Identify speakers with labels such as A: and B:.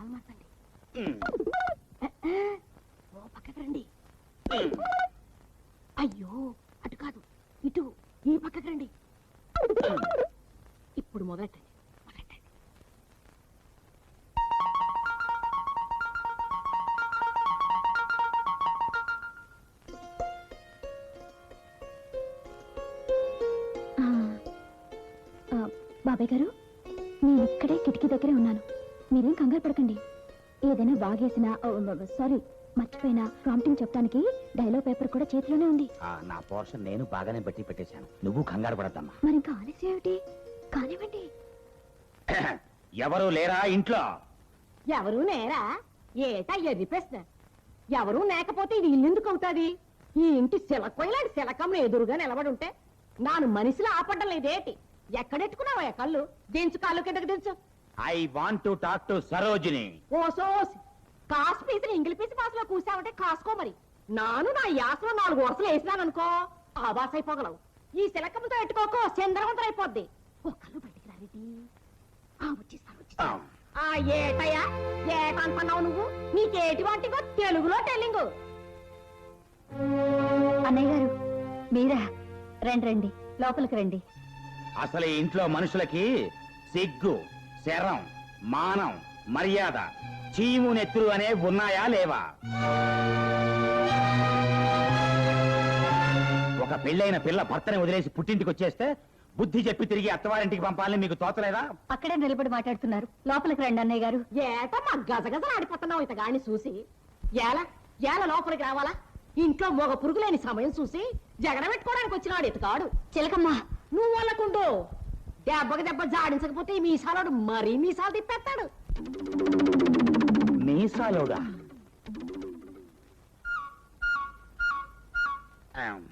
A: మొహం మార్చండి. ఓ పక్కకి రండి. అయ్యో అటు కాదు ఇటు, ఈ పక్కకి రండి. ఇప్పుడు మొదలెట్టండి.
B: బాబాయ్ గారు, నేను ఇక్కడే కిటికీ దగ్గరే ఉన్నాను. మీరేం కంగారు పడకండి. ఏదైనా బాగేసినా, సారీ మర్చిపోయినా ప్రాంప్టింగ్ చెప్పడానికి డైలాగ్ పేపర్ కూడా చేతిలోనే ఉంది.
C: నా పోర్షన్ నేను బాగానే బట్టి పెట్టేశాను, నువ్వు కంగారు పడద్దమ్మా.
B: మరి ఇంకా ఆలస్యం ఏమిటి? కానివ్వండి.
C: ఎవరు లేరా ఇంట్లో?
A: ఎవరు నేరా? ఏటా ఎర్రి ప్రశ్న. ఎవరు లేకపోతే ఇది ఇల్లెందుకు అవుతాది? ఈ ఇంటి శిలకొయ్యలాంటి శిలకమ్మ ఎదురుగా నిలబడి ఉంటే నాను మనిషిలో ఆపడ్డం లేదేటి? ఎక్కడెట్టుకున్నావా కళ్ళు? దించు, కాళ్ళు కిందకి దించు.
C: I want to talk to Sarojini.
A: ఓసోసి కాసు పీసులు ఇంగిలి పీసి పాసులో కూసావంటే కాసుకో. మరి నాను నా యాసలో 4 వరుసలు వేసినాననుకో ఆవాస అయిపోగలవు. ఈ శిలకమ్మతో ఎట్టుకోకో చంద్రవంతం అయిపోద్ది. ఓ కళ్ళు బయటికి రారేటి? వచ్చేస్తాను. ఏటయ్యా ఏటనుకున్నావు నువ్వు? నీకేటి వాటిగో తెలుగులో టెల్లింగు.
B: అన్నయ్య గారు మీరా? రండి రండి, లోపలికి రండి.
C: అసలు ఈ ఇంట్లో మనుషులకి సిగ్గు, శరం, మానం, మర్యాద, చీము నెత్తురు అనే ఉన్నాయా లేవా? ఒక పెళ్ళైన పిల్ల భర్తని వదిలేసి పుట్టింటికి వచ్చేస్తే బుద్ధి చెప్పి తిరిగి అత్తవారింటికి పంపాలని మీకు తోచలేదా?
B: అక్కడే నిలబడి మాట్లాడుతున్నారు, లోపలికి రండి అన్నయ్య గారు.
A: ఏట మా గజగజలు ఆడిపోతున్నావు ఇతగాని చూసి. ఏల లోపలికి రావాలా? ఇంట్లో మొగ పురుగులేని సమయం చూసి జగడ పెట్టుకోవడానికి వచ్చినాడు ఇతగాడు.
B: చిలకమ్మ
A: నువ్వు వాళ్ళకుండు. దెబ్బకి దెబ్బ జాడించకపోతే ఈ మీసాలోడు మరీ మీసాలు తిప్పేస్తాడు.
C: మీసాలోడా?